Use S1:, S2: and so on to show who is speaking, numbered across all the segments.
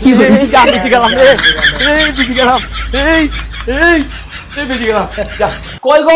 S1: বেঁচে গেলাম রে, বেঁচে গেলাম, বেঁচে গেলাম। কই গো?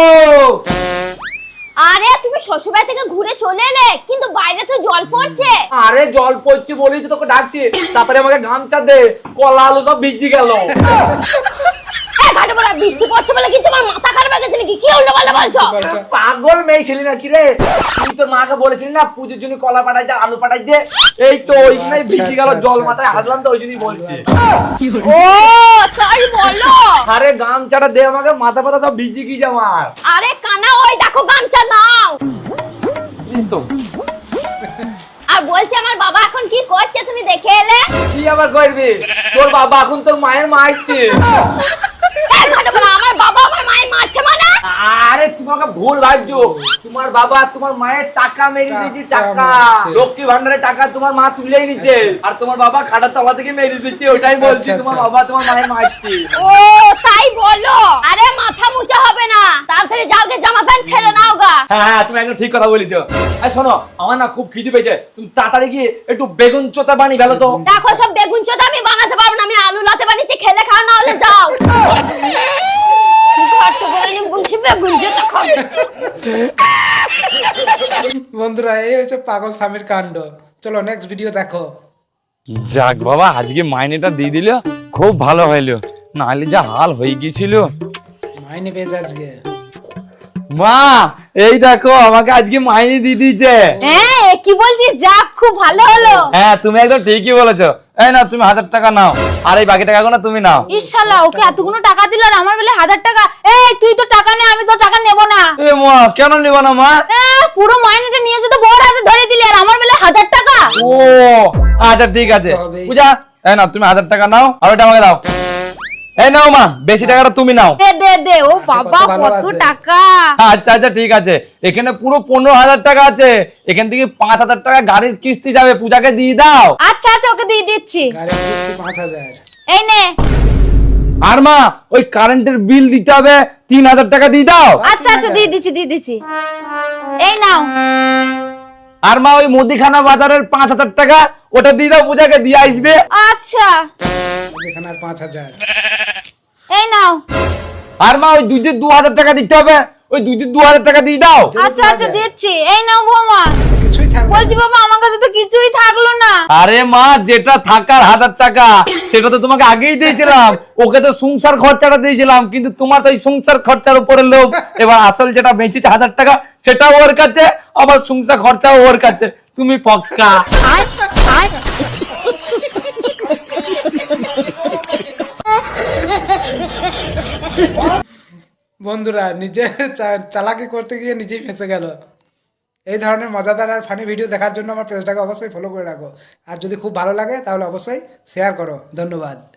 S2: আরে তুমি শ্বশুরবাড়ি থেকে ঘুরে চলে এলে, কিন্তু বাইরে তো জল পড়ছে।
S1: আরে জল পড়ছে বলেই তো তোকে ডাকছি, তারপরে আমাকে গামছা দে, কলা আলু সব ভিজে গেল।
S2: ঘাটে বলা বৃষ্টি পড়ছে বলে কি তোমার মাথা খারাপ হয়ে গেছে নাকি? কি উল্টোপাল্টা বলছো?
S1: পাগল মেয়ে ছিলি না কি রে? তুই তোর মাকে বলেছিলি না পুজোর জন্য কলা পাঠাই দে, আলু পাঠাই দে, এই তো ওই জন্যই ভিজে গেল, জল মাথায় হাতলাম তো ওই জন্যই বলছি।
S2: ও তাই বলো?
S1: আরে গামছাটা দে আমাকে, মাথা পাতা সব ভিজে গিয়েছে আমার।
S2: আরে কানা ওই দেখো গামছা নাও।
S1: এই তো
S2: আর বলছি আমার বাবা এখন কি করছে তুমি দেখে এলে?
S1: কি আবার করবি? তোর বাবা এখন তোর মায়ের মারছে।
S2: ঘাটে বলা আমার বাবা আমার মায়ের মারছে মানে?
S1: আরে তোমাকে ভুল ভাবছো, তোমার বাবা তোমার মায়ের টাকা মেরে দিয়েছে, টাকা লক্ষ্মী ভান্ডারের টাকা তোমার মা তুলেই নিচ্ছে, আর তোমার বাবা খাটার তলা থেকে মেরে দিচ্ছে, ওইটাই বলছি তোমার বাবা তোমার মায়ের মারছে।
S2: ও তাই বলো? আরে মাথা মুছা হবে না, তাড়াতাড়ি যাও গে জামা প্যান্ট ছেড়ে নাও গা।
S1: হ্যাঁ তুমি একদম ঠিক কথা বলেছো। আর শোনো আমার না খুব খিদে পেয়েছে, তুমি তাড়াতাড়ি গিয়ে একটু বেগুন চোতা বানিয়ে ফেলো তো।
S2: দেখো সব বেগুন চোদা আমি বানাতে পারবো না, আমি আলু লাতে বানিয়েছি, খেলে খাও না হলে যাও।
S3: বন্ধুরা এই হচ্ছে পাগল স্বামীর কাণ্ড। চলো নেক্সট ভিডিও দেখো।
S4: যাক বাবা, আজকে মাইনেটা দিয়ে দিল, খুব ভালো হইলো, নাহলে যা হাল হয়ে গেছিল।
S3: মাইনে পেয়েছে আজকে।
S1: মা এই দেখো আমাকে আজকে মাইনে দিয়ে দিয়েছে।
S2: হ্যাঁ কি বলছিস? যাক খুব ভালো হলো।
S4: হ্যাঁ তুমি একদম ঠিকই বলেছো। এই নাও তুমি 1000 টাকা নাও, আর এই বাকি টাকাগুলো তুমি নাও।
S2: ইশাল্লাহ ওকে এতগুলো টাকা দিল আর আমার বেলা 1000 টাকা। এই তুই তো টাকা নে, আমি তো টাকা নেব না।
S4: এ মা কেন নিব না মা?
S2: পুরো মাইনেটা নিয়ে এসে তো বড় হাতে ধরে দিলি, আর আমার বেলা 1000 টাকা।
S4: ও আচ্ছা ঠিক আছে
S3: তবেই।
S4: পূজা, এই নাও তুমি 1000 টাকা নাও, আর ওটা আমাকে দাও। এই নাও মা, বেশি টাকাটা তুমি নাও।
S2: দে দে দে। ও বাবা
S3: কত ভালো
S2: কত
S3: আছে।
S2: টাকা।
S4: আচ্ছা আচ্ছা ঠিক আছে, এখানে পুরো 15,000 টাকা আছে, এখান থেকে 5,000 টাকা গাড়ির কিস্তি যাবে, পূজাকে দিয়ে দাও।
S2: আচ্ছা আচ্ছা ওকে দিয়ে দিচ্ছি।
S3: গাড়ির কিস্তি 5,000।
S2: এই নে।
S4: আর মা ওই কারেন্টের বিল দিতে হবে 3,000 টাকা দিয়ে দাও।
S2: আচ্ছা আচ্ছা দিয়ে দিচ্ছি দিয়ে দিচ্ছি। এই নাও।
S4: আর মা ওই মুদিখানা বাজারের 5,000 টাকা ওটা দিয়ে দাও, পূজাকে দিয়ে আসবে।
S2: আচ্ছা
S3: এখানে আর 5,000।
S2: এই নাও।
S4: আর মা ওই দুধের 2,000 টাকা দিতে হবে, ওই দুধের 2,000 টাকা দিয়ে দাও।
S2: আচ্ছা আচ্ছা দিচ্ছি। এই নাও বৌমা।
S3: কিছুই থাকবে
S2: বলছি
S3: না।
S2: বাবা আমার কাছে তো কিছুই থাকলো না।
S4: আরে মা যেটা থাকার 1000 টাকা সেটা তো তোমাকে আগেই দিয়েছিলাম, ওকে তো সংসার খরচাটা দিয়েছিলাম, কিন্তু তোমার তো এই সংসার খরচার উপরে লোভ। এবার আসল যেটা বেঁচেছে 1000 টাকা সেটাও ওর কাছে, আবার সংসার খরচাও ওর কাছে, তুমি পক্কা।
S3: বন্ধুরা নিজে চালাকি করতে গিয়ে নিজেই ফেঁসে গেল। এই ধরনের মজাদার আর ফানি ভিডিও দেখার জন্য আমার পেজটাকে অবশ্যই ফলো করে রাখো, আর যদি খুব ভালো লাগে তাহলে অবশ্যই শেয়ার করো। ধন্যবাদ।